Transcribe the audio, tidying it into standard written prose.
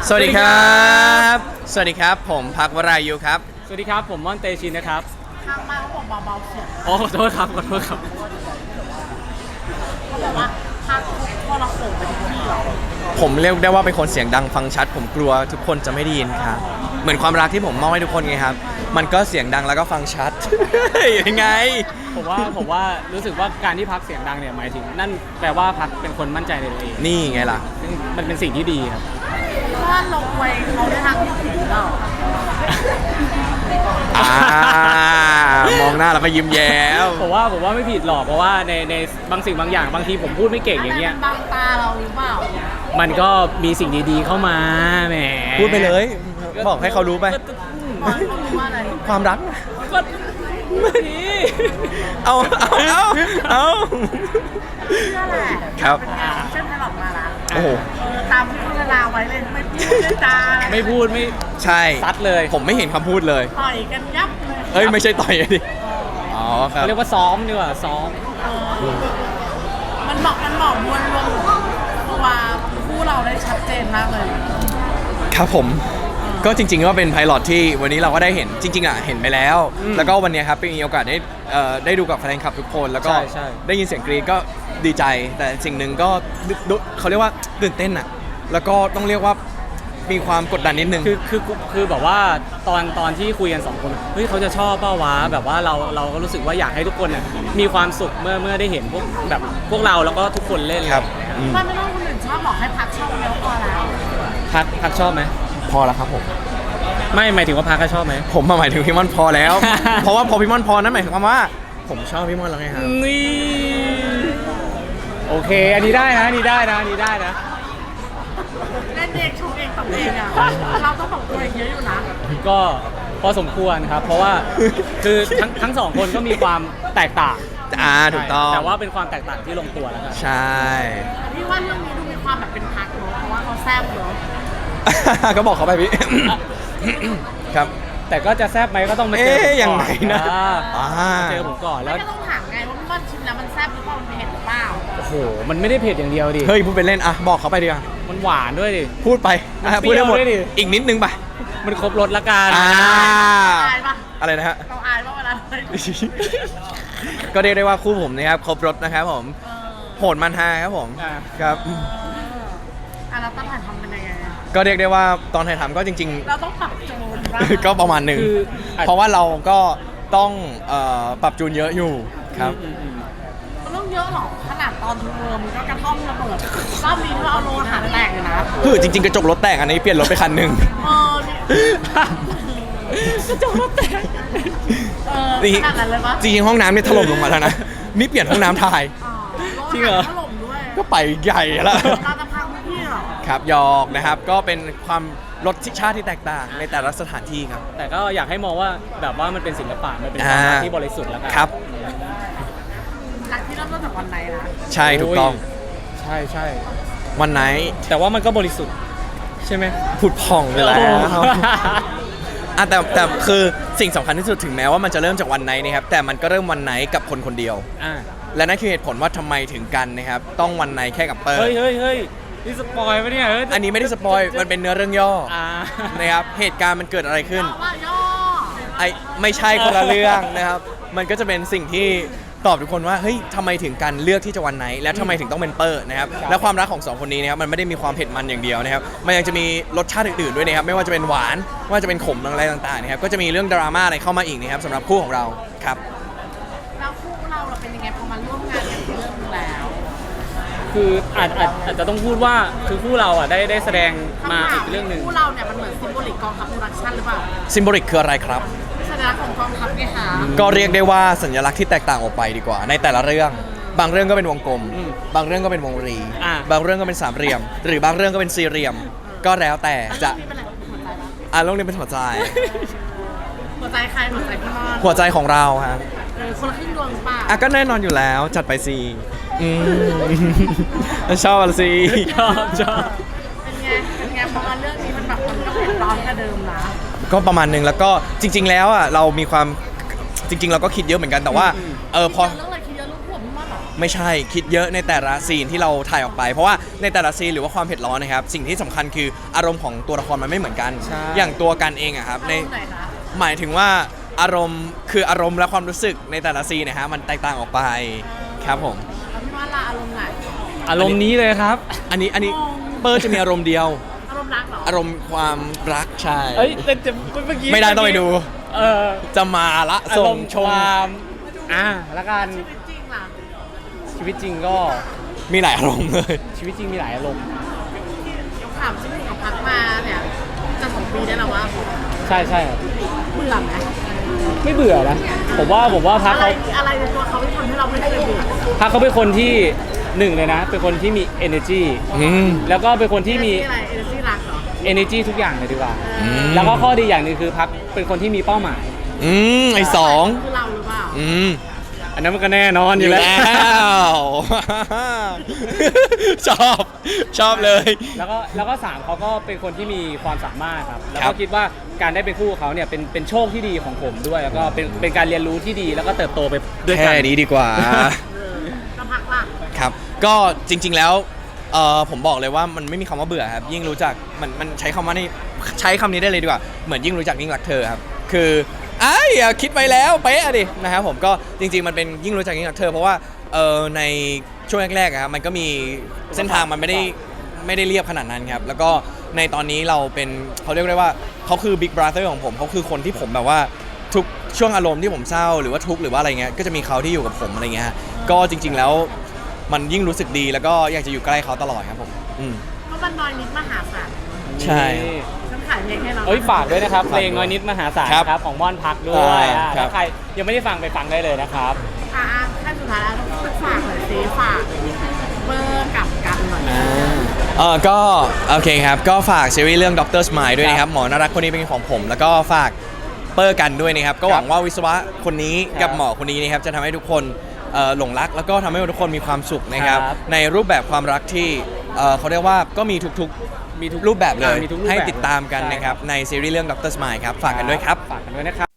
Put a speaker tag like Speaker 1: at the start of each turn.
Speaker 1: สวัสดีครับสวัสดีครับผมพักวรายุครับ
Speaker 2: สวัสดีครับผมม่อนเตชินนะครับ
Speaker 3: ข้างบ้านเขาบอกเบาๆเสียง
Speaker 2: อ๋อขอโทษครับ
Speaker 3: เขาบอกว่าพักพอเราโขงไปทุกที่หรอ
Speaker 1: ผมเรียกได้ว่าเป็นคนเสียงดังฟังชัดผมกลัวทุกคนจะไม่ได้ยินครับเหมือนความรักที่ผมมอบให้ทุกคนไงครับมันก็เสียงดังแล้วก็ฟังชัด ยังไง
Speaker 2: ผมว่ารู้สึกว่าการที่พักเสียงดังเนี่ยหมายถึงนั่นแปลว่าพักเป็นคนมั่นใจในตัวเอง
Speaker 1: นี่ไงล่ะ
Speaker 2: ซึ่งมันเป็นสิ่งที่ดีครับ
Speaker 3: ว่าลงไว้เขาได้ทางที่ผิดเรา
Speaker 1: มองหน้าแล้วก็ยิ้มแย้ม
Speaker 2: ผมว่าไม่ผิดหรอกเพราะว่าในบางสิ่งบางอย่างบางทีผมพูดไม่เก่งอย่างเงี้ย
Speaker 3: บางตาเราหรือเปล่า
Speaker 2: มันก็มีสิ่งดีๆเข้ามาแหม
Speaker 1: พูดไปเลยบอกให้เขารู้ไปความรัก
Speaker 2: ก็ไม่
Speaker 1: เอา
Speaker 3: เชื่อแหละ
Speaker 1: ครับ
Speaker 3: เชื่อไพลอตมาละ
Speaker 1: โอ้โห
Speaker 3: ตามที่โฆษณาไว้เลยไม่พูดไม่จา
Speaker 2: ไม่พูดไม่
Speaker 1: ใช่
Speaker 2: ซัดเลย
Speaker 1: ผมไม่เห็นคำพูดเลย
Speaker 3: ต่อยกันยับเลย
Speaker 1: เอ้ยไม่ใช่ต่อยดิอ๋อครับ
Speaker 2: เรียกว่าซ้อมดีกว่าซ้อม
Speaker 3: มันบอกมวลรวมตัวคู่เราได้ชัดเจนมากเลย
Speaker 1: ครับผมก็จริงๆก็เป็นไพลอตที่วันนี้เราก็ได้เห็นจริงๆเห็นไปแล้วแล้วก็วันนี้ครับมีโอกาสได้ดูกับแฟนคลับทุกคนแล้วก็ได้ยินเสียงกรี๊ดก็ดีใจแต่สิ่งหนึ่งก็เขาเรียกว่าตื่นเต้นแล้วก็ต้องเรียกว่ามีความกดดันนิดนึง
Speaker 2: คือแบบว่าตอนที่คุยกัน2คนเฮ้ยเขาจะชอบเปล่าวะแบบว่าเราก็รู้สึกว่าอยากให้ทุกคนมีความสุขเมื่อได้เห็นพวกเราแล้วก็ทุกคนเล่น
Speaker 1: ครับ
Speaker 3: มันไม่ต้องคนอื่นชอบบอกให้พักชอบเยอะพอแล้ว
Speaker 2: พักชอบไหม
Speaker 1: พอแล้วครับผม
Speaker 2: ไม่หมายถึงว่าพักก็ชอบไหม
Speaker 1: ผมหมายถึงพี่ม่อนพอแล้ว เพราะว่าพอพี่ม่อนพอนั้นหมายถึงว่าผมชอบพี่ม่อนแล้วไงครับ
Speaker 2: นี่โอเคอันนี้ได้นะนี่ได้นะ
Speaker 3: เล่นเองชงเองตบเองเราต้องบอกตัวเองเยอะอยู่นะ
Speaker 2: ก็พอสมควรครับเพราะว่าคือทั้งสองคนก็มีความแตกต่าง
Speaker 1: ถูกต้อง
Speaker 2: แต่ว่าเป็นความแตกต่างที่ลงตัวแล้วกัน
Speaker 1: ใช่
Speaker 3: พี่ว่าเรื่องนี้ดูมีความแบบเป็นพักเนอะเพราะว่าเขาแซ่บเนอะ
Speaker 1: ก็บอกเขาไปพี่ครับ
Speaker 2: แต่ก็จะแซ่บไหมก็ต้องมาเจอผมก่อน
Speaker 1: อย่างไรนะ
Speaker 2: เจอผมก่อนแล้ว
Speaker 3: ก็ต้องถามไงว่าพี่ว่าชิมแล้วมันแซ่บหรือเปล่ามันเผ็ดหรือเปล่า
Speaker 2: โอ้โหมันไม่ได้เผ็ดอย่างเดียวดิ
Speaker 1: เฮ้ยพูดไปเล่นบอกเขาไปดิ
Speaker 2: มันหวานด้วยดิ
Speaker 1: พูดไปพูดได้หมดอีกนิดนึงไป
Speaker 2: มันครบรสละกัน
Speaker 3: อายปะ
Speaker 1: อะไรนะฮะ
Speaker 3: เราอายปะเวลา
Speaker 1: ก็เรียกได้ว่าคู่ผมนะครับครบรสนะครับผมโหดมันฮาครับผมครับ
Speaker 3: แล้วตอนถ่ายทำเป็นยังไง
Speaker 1: ก็เรียกได้ว่าตอนถ่ายทำก็จริง
Speaker 3: ๆเราต้องปรับจูน
Speaker 1: ก็ประมาณหนึ่งเพราะว่าเราก็ต้องปรับจูนเยอะอยู่ครับ
Speaker 3: มันต้องเยอะหรอขนาดตอนเทอมมันก็กระท่อมระเบิดรอบนี้เราเอาโลหะแตกเลยนะ
Speaker 1: จริงๆกระจกรถแตกอันนี้เปลี่ยนรถไปคันหนึ่ง
Speaker 3: กระจกรถแตกขนาดนั้นเลยปะ
Speaker 1: จริงๆห้องน้ำเนี่ยถล่มลงมาแล้วนะนี่เปลี่ยนห้องน้ำถ่าย
Speaker 3: จริงเหรอถล่มด้วย
Speaker 1: ก็ไปใหญ่แล้ว
Speaker 3: เราจะพังพี่หรอ
Speaker 1: ครับยอกนะครับก็เป็นความรสชาติที่แตกต่างในแต่ละสถานที่ครับ
Speaker 2: แต่ก็อยากให้มองว่าแบบว่ามันเป็นศิลปะมันเป็นความรักที่บริสุทธิ์แล้วกัน
Speaker 1: ครับ
Speaker 3: รักที่เริ่มต้นจากวันไหนนะ
Speaker 1: ใช่ถูกต้อง
Speaker 2: ใช่
Speaker 1: วันไหน
Speaker 2: แต่ว่ามันก็บริสุทธิ์ใช่ไหม
Speaker 1: ผุดผ่องไปแล้วแต่คือสิ่งสำคัญที่สุดถึงแม้ว่ามันจะเริ่มจากวันไหนนะครับแต่มันก็เริ่มวันไหนกับคนคนเดียวและนั่นคือเหตุผลว่าทำไมถึงกันนะครับต้องวันไหนแค่กับเปิด
Speaker 2: เฮ้ยนี่สปอยล์ปะเนี่ย
Speaker 1: อันนี้ไม่ได้สปอยล์มันเป็นเนื้อเรื่องย่อนะครับเหตุการณ์มันเกิดอะไรขึ้นไม่ใช่คนละเรื่องนะครับมันก็จะเป็นสิ่งที่ตอบทุกคนว่าเฮ้ยทำไมถึงกันเลือกที่จะวันไหนและทำไมถึงต้องเป็นเปิดนะครับและความรักของ2คนนี้นะครับมันไม่ได้มีความเผ็ดมันอย่างเดียวนะครับมันยังจะมีรสชาติอื่นๆด้วยนะครับไม่ว่าจะเป็นหวานไม่ว่าจะเป็นขมอะไรต่างๆนะครับก็จะมีเรื่องดราม่าอะไรเข้ามาอีกนะครับสำหรับคู่ของเราครับ
Speaker 3: แล้วคู่เราเป็นยังไงพอมาร่วมงานกันเรื่องแล้ว
Speaker 2: คืออาจจะต้องพูดว่าคือคู่เราได้แสดงมาอีกเรื่องหนึ่ง
Speaker 3: คู่เราเนี่ยมันเหมือนซิมโบลิกกองทัพโปรดักชั่นหรือเปล่า
Speaker 1: ซิมโบลิกคืออะไรครับ
Speaker 3: สัญลักษณ์ของกองทัพไงคะ
Speaker 1: ก็เรียกได้ว่าสัญลักษณ์ที่แตกต่างออกไปดีกว่าในแต่ละเรื่องบางเรื่องก็เป็นวงกลมบางเรื่องก็เป็นวงรีบางเรื่องก็เป็นสามเหลี่ยมหรือบางเรื่องก็เป็นสี่เหลี่ยมก็แล้วแต่จะเรื่องนี้เป็นหัวใจ
Speaker 3: หัวใจใครหัวใจพี่มอน
Speaker 1: หัวใจของเราครับ
Speaker 3: คนละครึ่งดวงป่ะ
Speaker 1: ก็แน่นอนอยู่แล้วจัดไปสิชอบอะไรสิ
Speaker 2: ชอบ
Speaker 3: เป็นไงพอมาเรื่องนี้มันแบบมันก็เผ็ดร้อนกว่าเดิมนะ
Speaker 1: ก็ประมาณนึงแล้วก็จริงๆแล้วเรามีความจริงๆเราก็คิดเยอะเหมือนกันแต่ว่าพอ
Speaker 3: เรื่องอะไรคิดเยอะลูกผมพี่มอนหรอ
Speaker 1: ไม่ใช่คิดเยอะในแต่ละซีนที่เราถ่ายออกไปเพราะว่าในแต่ละซีนหรือว่าความเผ็ดร้อนนะครับสิ่งที่สำคัญคืออารมณ์ของตัวละครมันไม่เหมือนกัน
Speaker 2: ใช่
Speaker 1: อย่างตัวกันเองอะครับใน
Speaker 3: ไหนคะ
Speaker 1: หมายถึงว่าอารมณ์คืออารมณ์และความรู้สึกในแต่ละซีนนะฮะมันแตกต่างออกไปครับผม
Speaker 3: แล้วพี่ว่าละอารมณ์ไหน
Speaker 2: อารมณ์นี้เลยครับ
Speaker 1: อันนี้เปอร์จะมีอารมณ์เดียว
Speaker 3: อารมณ์รักเหรอ
Speaker 1: อารมณ์ความรักใช่
Speaker 2: เอ้ยแต่เมื่อกี้
Speaker 1: ไม่ได้ต้องไปดู
Speaker 2: เออ
Speaker 1: จะมาละ
Speaker 2: อา
Speaker 1: ส่
Speaker 2: รง มณ์
Speaker 1: ช
Speaker 2: ค
Speaker 1: ม
Speaker 2: วามแล้วกัน
Speaker 3: ชีวิตจริงล่ะ
Speaker 2: ชีวิตจริงก็
Speaker 1: มีหลายอารมณ์เลย
Speaker 2: ชีวิตจริงมีหลายอารมณ์
Speaker 3: ถามชีวิตของพักมาเนี่ยจะ2 ปีได้แล้วว่า
Speaker 2: ใช่ใช่ครับ
Speaker 3: เบื่อไหม
Speaker 2: ไม่เบื่อนะผมว่าพัก
Speaker 3: อะไร
Speaker 2: เขา
Speaker 3: อะไรในตัวเขาที่ทำให้เราไม่เคยเบื่อ
Speaker 2: พักเขาเป็นคนที่หนึ่งเลยนะ เป็นคนที่มี energy
Speaker 1: อืม
Speaker 2: แล้วก็เป็นคนที่มี
Speaker 3: อะไรเอเนอร์จี้รักเหรอ
Speaker 2: energy ทุกอย่างเลยดีกว่า
Speaker 1: ม
Speaker 2: แล้วก็ข้อดีอย่างหนึ่งคือพักเป็นคนที่มีเป้าหมาย
Speaker 1: ไอสอง
Speaker 3: คือเราหรือเปล่า
Speaker 1: อืม
Speaker 2: อันนั้นมันก็แน่นอนอ
Speaker 1: อยู่ ยู่
Speaker 2: แล้
Speaker 1: แล้ว ว ชอบเลย
Speaker 2: แล้วก็สามเขาก็เป็นคนที่มีความสามารถครับ แล้ว
Speaker 1: ครั
Speaker 2: ก็
Speaker 1: บ
Speaker 2: คิดว่าการได้เป็นคู่กับเขาเนี่ยเป็นโชคที่ดีของผมด้วย แล้วก็เป็นการเรียนรู้ที่ดีแล้วก็เติบโตไปด้วยกัน
Speaker 1: แค่นี้ดีกว่า
Speaker 3: ก็พักล่ะ
Speaker 1: ครับ ก็จริง ๆ แล้วผมบอกเลยว่ามันไม่มีคำว่าเบื่อครับ ยิ่งรู้จักมันใช้คำว่านี่ใช้คำนี้ได้เลยดีกว่า เหมือนยิ่งรู้จักยิ่งรักเธอครับ คืออย่าคิดไปแล้วเป๊ะอะดินะครับผมก็จริง ๆ มันเป็นยิ่งรู้จักยิ่งรักเธอเพราะว่าในช่วงแรกๆอะครับมันก็มีเส้นทางมันไม่ได้เรียบขนาดนั้นครับ แล้วก็ในตอนนี้เราเป็นเขาเรียกได้ว่าเขาคือบิ๊กบราเธอร์ของผมเขาคือคนที่ผมแบบว่าทุกช่วงอารมณ์ที่ผมเศร้าหรือว่าทุกข์หรือว่าอะไรเงี้ยก็จะมีเขาที่อยู่กับผมอะไรเงี้ยฮะก็จริง ๆ แล้วมันยิ่งรู้สึกดีแล้วก็อยากจะอยู่ใกล้เขาตลอดครับผม
Speaker 3: เพราะมันน้อยนิดมหาศาล
Speaker 1: ใช่
Speaker 3: ฉันขายเพลงให้เรา
Speaker 2: เอ้ยฝากด้วยนะครับเพ
Speaker 1: ฝาก
Speaker 2: ล
Speaker 1: ด้วย
Speaker 2: งน้อยนิดมหาศาล
Speaker 1: ครับ
Speaker 2: ครับของม่อนพักด้วย
Speaker 1: ครับ
Speaker 2: ถ้าใครยังไม่ได้ฟังไปฟังได้เลยนะครับ
Speaker 3: ขั้นสุดท้ายแล้วต้องฝากหน่อยสิฝากเบอร์กับกันหน่อย
Speaker 1: ก็โอเคครับก็ฝากซีรีส์เรื่อง Dr. Smile ด้วยนะครับหมอน่ารักคนนี้เป็นของผม แล้วก็ฝากเปอร์กันด้วยนะครับก็หวังว่าวิศวะคนนี้กับหมอคนนี้นะครับจะทำให้ทุกคนหลงรักแล้วก็ทำให้ทุกคนมีความสุขนะครับ
Speaker 2: ครับ
Speaker 1: ในรูปแบบความรักที่เขาเรียกว่าก็มีทุกรูปแบบเลย
Speaker 2: มีทุกรูปแบบ
Speaker 1: ให้ติดตามกัน
Speaker 2: ใช่
Speaker 1: นะครับในซีรีส์เรื่อง Dr. Smile ครับฝากกันด้วยครับ
Speaker 2: ฝากกันด้วยนะครับ